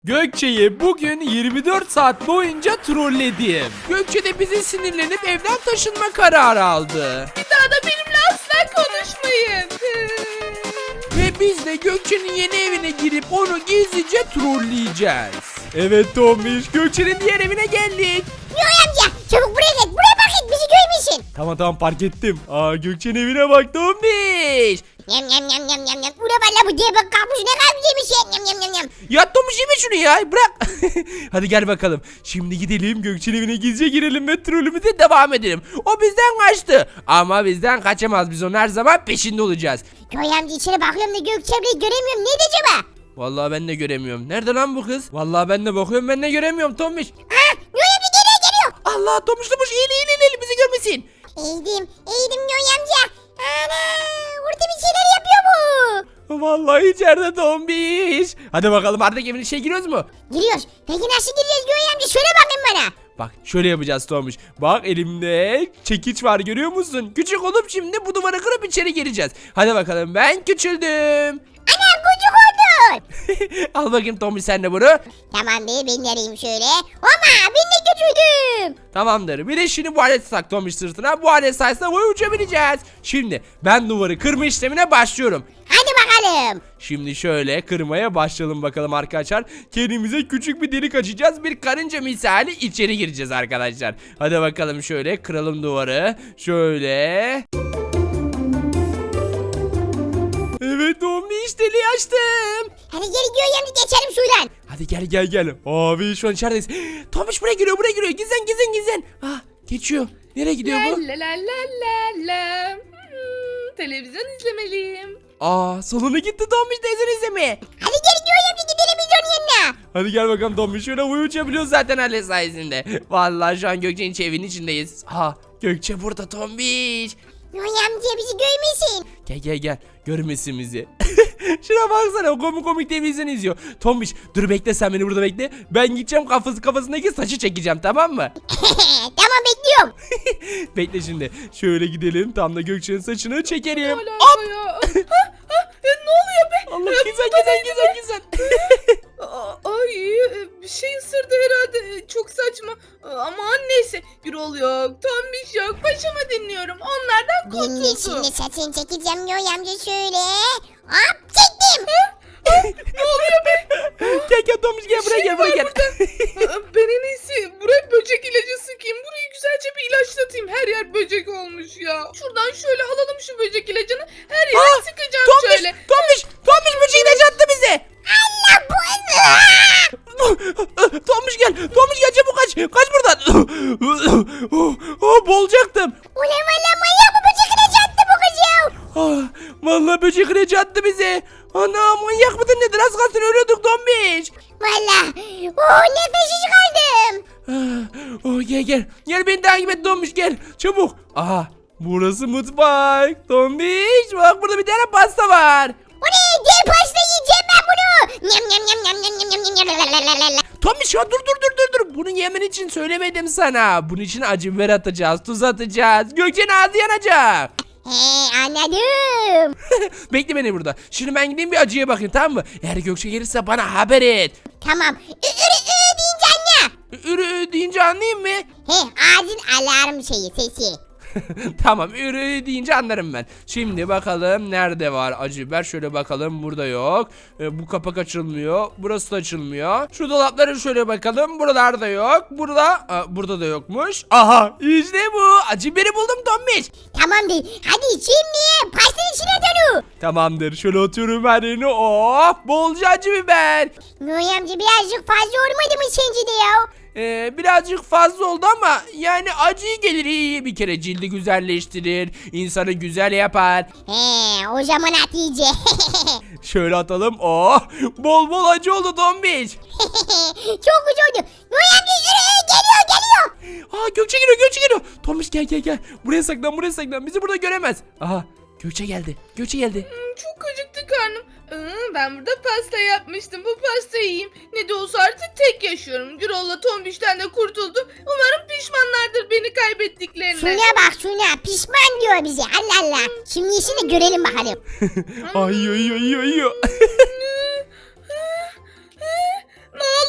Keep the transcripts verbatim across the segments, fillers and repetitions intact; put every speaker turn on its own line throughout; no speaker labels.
Gökçe'yi bugün yirmi dört saat boyunca trolledim. Gökçe de bizi sinirlenip evden taşınma kararı aldı.
Bir daha da benimle asla konuşmayın.
Ve biz de Gökçe'nin yeni evine girip onu gizlice trolleyeceğiz. Evet Tomiş, Gökçe'nin diğer evine geldik.
Yoy amca çabuk buraya gel. Buraya bak et bizi görmesin.
Tamam tamam fark ettim. Aa Gökçe'nin evine bak Tomiş.
Yam yam yam yam yam yam. Ula valla bu diye bak kalkmış ne kadar güzelmiş ya. Yam yam yam yam.
Ya Tomiş yeme şunu ya bırak. Hadi gel bakalım. Şimdi gidelim Gökçe'nin evine gizlice girelim ve trollümüze devam edelim. O bizden kaçtı. Ama bizden kaçamaz, biz onun her zaman peşinde olacağız.
Yoy amca içeri bakıyorum da Gökçem'le göremiyorum. Neydi acaba?
Vallahi ben de göremiyorum. Nerede lan bu kız? Vallahi ben de bakıyorum, ben de göremiyorum Tomiş.
Ha Yoy amca geliyor geliyor.
Allah Tomiş Tomiş eğil eğil eğil, eğil bizi görmesin.
Eğdim eğdim Yoy amca. Ana orada bir şeyler yapıyor bu.
Vallahi içeride Tomiş. Hadi bakalım artık evin içine giriyoruz mu?
Giriyoruz. Peki nasıl gireceğiz Yoy amca? Söyle bakayım bana.
Bak şöyle yapacağız Tomiş. Bak elimde çekiç var, görüyor musun? Küçük olup şimdi bu duvarı kırıp içeri gireceğiz. Hadi bakalım, ben küçüldüm.
Ana kucuk oldun.
Al bakayım Tomiş sen de bunu.
Tamam be ben yarayayım şöyle. Ama ben de küçüldüm.
Tamamdır. Bir de şimdi bu aleti tak Tomiş sırtına. Bu alet sayesinde boyu uçabileceğiz. Şimdi ben duvarı kırma işlemine başlıyorum.
Hadi bakalım.
Şimdi şöyle kırmaya başlayalım bakalım arkadaşlar. Kendimize küçük bir delik açacağız. Bir karınca misali içeri gireceğiz arkadaşlar. Hadi bakalım şöyle kıralım duvarı. Şöyle. Evet Tomiş deliği açtım.
Hadi gel Yoy amca geçelim şuradan.
Hadi gel gel gel. Abi şu an içerideyiz. Tomiş buraya giriyor, buraya giriyor. Gizlen gizlen gizlen. Ah geçiyor. Nereye gidiyor
La
bu?
la la la la la. Hmm, televizyon izlemeliyim.
Aa salona gitti Tomiş teyzen izlemeye.
Hadi gel Yoy amca gidelim biz onun yanına.
Hadi gel bakalım Tomiş, şöyle uyu uçabiliyoruz zaten alet sayesinde. Vallahi şu an Gökçe'nin evinin içindeyiz. Ha Gökçe burada Tomiş.
Yoy amca bizi görmesin.
Gel gel gel, görmesin bizi. Şuna baksana, komik komik televizyon izliyor. Tomiş dur bekle, sen beni burada bekle. Ben gideceğim kafası kafasındaki saçı çekeceğim, tamam mı?
Tamam bekliyorum.
Bekle şimdi. Şöyle gidelim, tam da Gökçe'nin saçını çekelim.
Hala
Hop!
ya. Ha, ha, e, ne oluyor be?
Allah
E,
güzel
bu da
güzel
neydi
güzel
be?
güzel.
Aa, Ay e, bir şey ısırdı herhalde. E, Çok saçma. Aman neyse. Gürol yok. Tombiş yok. Paşamı dinliyorum. Onlardan
Ben de
kurtuldu.
şimdi saçını çekeceğim Yoy amca şöyle. Hop çektim.
Ne oluyor be?
Gel gel Tomiş, gel buraya gel buraya gel.
Aa, Ben en iyisi buraya böcek ilacı sıkayım. Burayı güzelce bir ilaçlatayım. Her yer böcek olmuş ya. Şuradan şöyle alalım şu böcek ilacını. Her yere
Aa,
sıkacağım
Tomiş,
şöyle.
Tomiş, Tomiş böceği de çattı bize.
Allah bu.
Tomiş gel, Tomiş gel çabuk kaç, kaç buradan. Oh, boğulacaktım.
Ulan valla manyak bu böcek ilacı attı bu kız ya.
Ah, vallahi böcek ilacı attı bize. Ana manyak mıdır nedir, az kalsın ölüyorduk Tomiş.
Valla. Oh nefessiz kaldım.
Ah, oh, gel gel, gel beni takip et Tomiş, gel çabuk. Aha burası mutfak. Tomiş bak, burada bir tane pasta var.
Bu ne? Dev pasta yiyeceğim ben bunu. Nyam nyam nyam nyam nyam nyam nyam nyam nyam nyam.
Tomiş ya dur dur dur dur dur. Bunu yemen için söylemedim sana. Bunun için acı biber atacağız, tuz atacağız. Gökçe'nin ağzı yanacak.
He anladım.
Bekle beni burada. Şimdi ben gideyim bir acıya bakayım, tamam mı? Eğer Gökçe gelirse bana haber et.
Tamam. Ü ürü ü deyince anla.
Ürü deyince anlayayım mı?
He ağzın alarm şeyi sesi.
Tamam, ürü deyince anlarım ben. Şimdi bakalım nerede var acı biber, şöyle bakalım, burada yok. Ee, bu kapak açılmıyor, burası da açılmıyor. Şu dolaplara şöyle bakalım, buralarda yok. Burada, Aa, burada da yokmuş. Aha işte bu, acı biberi buldum Tomiş.
Tamamdır. Hadi şimdi pastanın içine dönü.
Tamamdır, şöyle atıyorum her yerine. Oh, bolca acı biber.
Noy amca birazcık fazla olmadı mı sence de ya?
Ee, birazcık fazla oldu ama yani acı gelir, iyi bir kere cildi güzelleştirir, insanı güzel yapar.
He o zaman at iyice.
Şöyle atalım. Oh, bol bol acı oldu Tombiç.
Çok güzel oldu. Noy amca yürü geliyor geliyor.
Aa Gökçe geliyor, Gökçe geliyor. Tombiç gel gel gel. Buraya saklan, buraya saklan. Bizi burada göremez. Aha Gökçe geldi. Gökçe geldi.
Hmm, Çok acıktı karnım. Aa, Ben burada pasta yapmıştım. Bu pastayı yiyeyim. Ne de olsa artık tek yaşıyorum. Gürol'la Tombiş'ten de kurtuldum. Umarım pişmanlardır beni kaybettiklerine.
Şuna bak şuna pişman diyor bize Allah Allah. Şimdi işini görelim bakalım.
Ay ay ay ay ay.
Ne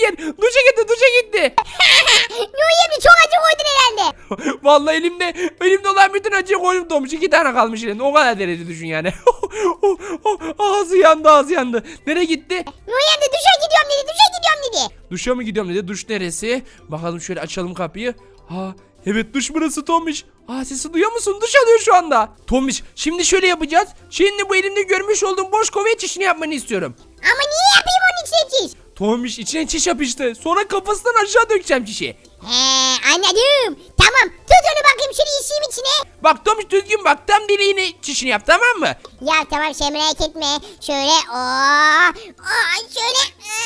fakir. Duşa gitti duşa gitti.
Yoy amca çok acı koydun herhalde.
Vallahi elimde elimde olan bütün acıyı koydum Tomuş. İki tane kalmış elimde. O kadar derece düşün yani. Ağzı yandı ağzı yandı. Nereye gitti?
Yoy amca duşa gidiyorum dedi duşa gidiyorum dedi.
Duşa mı gidiyorum dedi. Duş neresi? Bakalım şöyle açalım kapıyı. Ha evet duş burası Tomuş. Aa sesi duyuyor musun? Duş alıyor şu anda. Tomuş şimdi şöyle yapacağız. Şimdi bu elimde görmüş olduğum boş kovaya çişini yapmanı istiyorum.
Ama niye yapayım onun içine çiş?
Tomuş içine çiş yapıştı. Sonra kafasından aşağı dökeceğim çişi.
He anladım. Tamam tut onu bakayım şunu işim içine.
Bak Tomuş düzgün bak tam deliğine çişini yap tamam mı?
Ya tamam şey merak etme. Şöyle ooo. Aa, şöyle.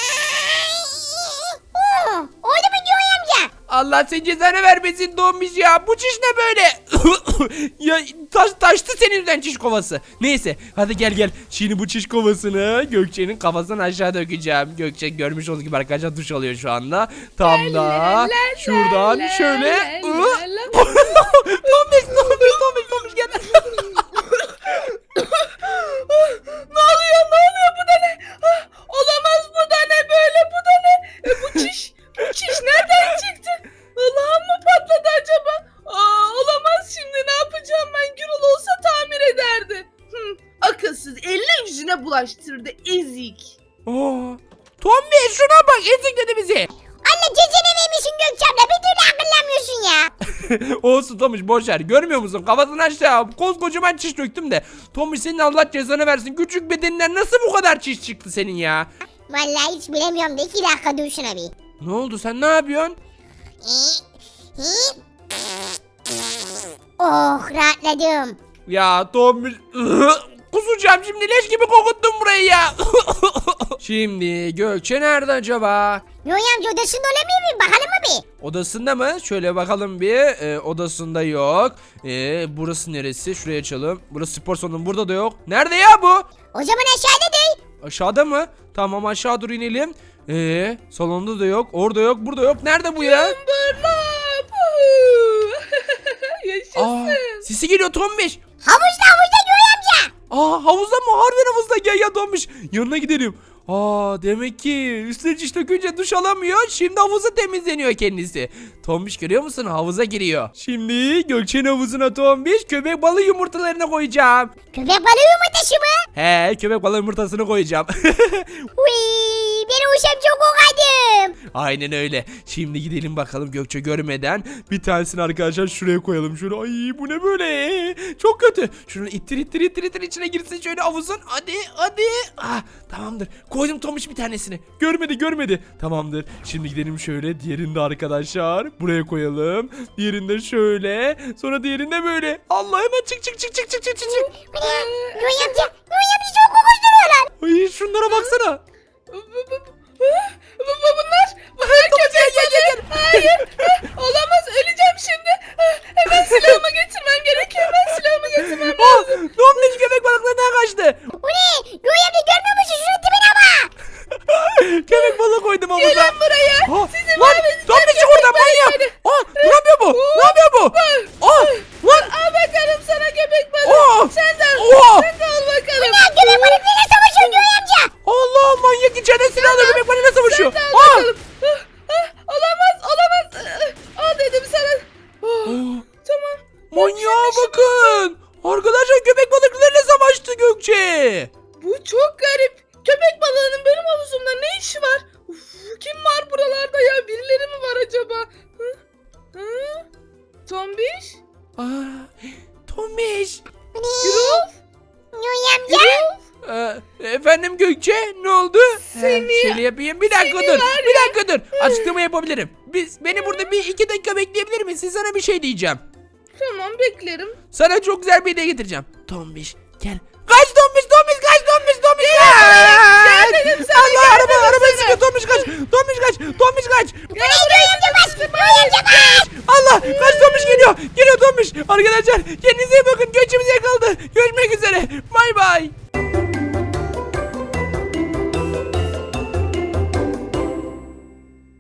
Oo, oldu mu Yoy amca?
Allah sen cezanı vermesin Tomuş ya. Bu çiş ne böyle? Ya taş, taştı senin yüzünden çiş kovası. Neyse hadi gel gel. Şimdi bu çiş kovasını Gökçe'nin kafasından aşağı dökeceğim. Gökçe görmüş olduğunuz gibi arkadaşlar duş alıyor şu anda. Tam da şuradan şöyle. Tomuş Tomuş Tomuş Tomuş gel.
Ne oluyor ne oluyor bu da ne? Ah, olamaz bu da ne böyle bu da ne? E, bu çiş bu çiş nereden çıktı? Allah'ım mı patladı acaba? Aa, olamaz şimdi ne yapacağım ben? Gürol olsa tamir ederdi. Hı, akılsız eline yüzüne bulaştırdı ezik.
Aa, Tomuş şuna bak ezikledi bizi.
Anne cezene vermişsin Gökçe abla bir türlü akıllanmıyorsun ya.
Olsun Tomuş boşver görmüyor musun kafasını aşağı koskocaman çiş döktüm de. Tomuş senin Allah cezanı versin küçük bedeninden nasıl bu kadar çiş çıktı senin ya?
Vallahi hiç bilemiyorum da iki dakika dur şuna bir.
Ne oldu sen ne yapıyorsun?
Oh rahatladım.
Ya Tomuş kusacağım şimdi leş gibi kokuttun burayı ya. Şimdi Gökçe nerede acaba?
Yoy amca odasında olamıyor mu? Bakalım mı bir?
Odasında mı? Şöyle bakalım bir. Ee, odasında yok. Ee, burası neresi? Şuraya açalım. Burası spor salonu. Burada da yok. Nerede ya bu?
O zaman aşağıda değil.
Aşağıda mı? Tamam aşağı dur inelim. Ee, salonda da yok. Orada yok. Burada yok. Nerede bu ya?
Bırlap. Yaşasın.
Aa, sesi geliyor Tombiş.
Havuzda havuzda Yoy amca.
Aa havuzda mı? Harbiden havuzda. Gel ya Tombiş. Yanına gidelim. Aa demek ki üstüne çiş dökünce duş alamıyor. Şimdi havuzu temizleniyor kendisi. Tombiş görüyor musun? Havuza giriyor. Şimdi Gökçe'nin havuzuna Tombiş köpek balığı yumurtalarını koyacağım.
Köpek balığı yumurtası mı?
He köpek balığı yumurtasını koyacağım.
Uy, ben uşam çok kokadım.
Aynen öyle. Şimdi gidelim bakalım Gökçe görmeden. Bir tanesini arkadaşlar şuraya koyalım. Şöyle ay bu ne böyle? Çok kötü. Şunu ittir ittir ittir ittir içine girsin şöyle havuzun. Hadi hadi. Ah tamamdır. Koydum Tomuş bir tanesini. Görmedi görmedi. Tamamdır. Şimdi gidelim şöyle. Diğerini de arkadaşlar buraya koyalım. Diğerinde şöyle. Sonra diğerinde böyle. Allah hemen çık çık çık çık çık çık çık.
Bu ne? Yoy amca, Yoy amca çok kokuşturuyorlar.
Ay şunlara baksana.
Bu, bu, bu, bu, bu- bunlar bunlar köpek balığı. Hayır. Ah, olamaz öleceğim şimdi. Ah, hemen silahımı getirmem gerekiyor. Hemen silahımı getirmem
Ah,
lazım.
Tombiş köpek balıklarından kaçtı.
Bu ne? Yoy amca görmüyor musun? Şunun tipine bak.
Köpek balığı koydum havuza.
Gelin buraya.
Aa,
Sizi
lan
mahvedeceğim
Tombiş
köpek
oradan manyak.
balıkları.
Aa, ne yapıyor bu? Ne yapıyor bu? Aa, lan.
Al bakalım sana köpek
Aa.
balığı. Sen de al.
Aa.
Sen de al bakalım.
Ya köpek balıklarıyla savaşıyor Yoy amca.
Allah manyak içeride silahla köpek balığıyla savaşıyor.
Sen de al
Aa.
bakalım. Ah, ah, olamaz olamaz. Ah, al dedim sana. Oh,
Aa,
tamam.
manyağa bakın. Arkadaşlar köpek balıklarıyla savaştı Gökçe.
Bu çok garip. Köpek balığının benim havuzumda ne işi var? Uf, kim var buralarda ya? Birileri mi var acaba? Hı? Hı? Tombiş?
Aa, Tombiş.
Bu ne?
Gürol?
Yoy amca.
Gürol?
Ee, efendim Gökçe ne oldu?
Seni-
Ee, şöyle yapayım. Bir dakika
seni
dur.
var
Bir dakika dur. Açıklama yapabilirim. Biz beni burada bir iki dakika bekleyebilir misin? Sana bir şey diyeceğim.
Tamam beklerim.
Sana çok güzel bir hediye getireceğim. Tombiş gel. Kaç Tombiş Tombiş kaç Tombiş Tombiş kaç.
dedim sana,
Allah
gel
araba
dedim
araba
sana.
sıkıyor Tombiş kaç. Tombiş kaç. Tombiş kaç.
Yoy amca bas. Yoy amca bas.
Allah kaç Tombiş geliyor. Geliyor Tombiş. Arkadaşlar kendinize iyi bakın.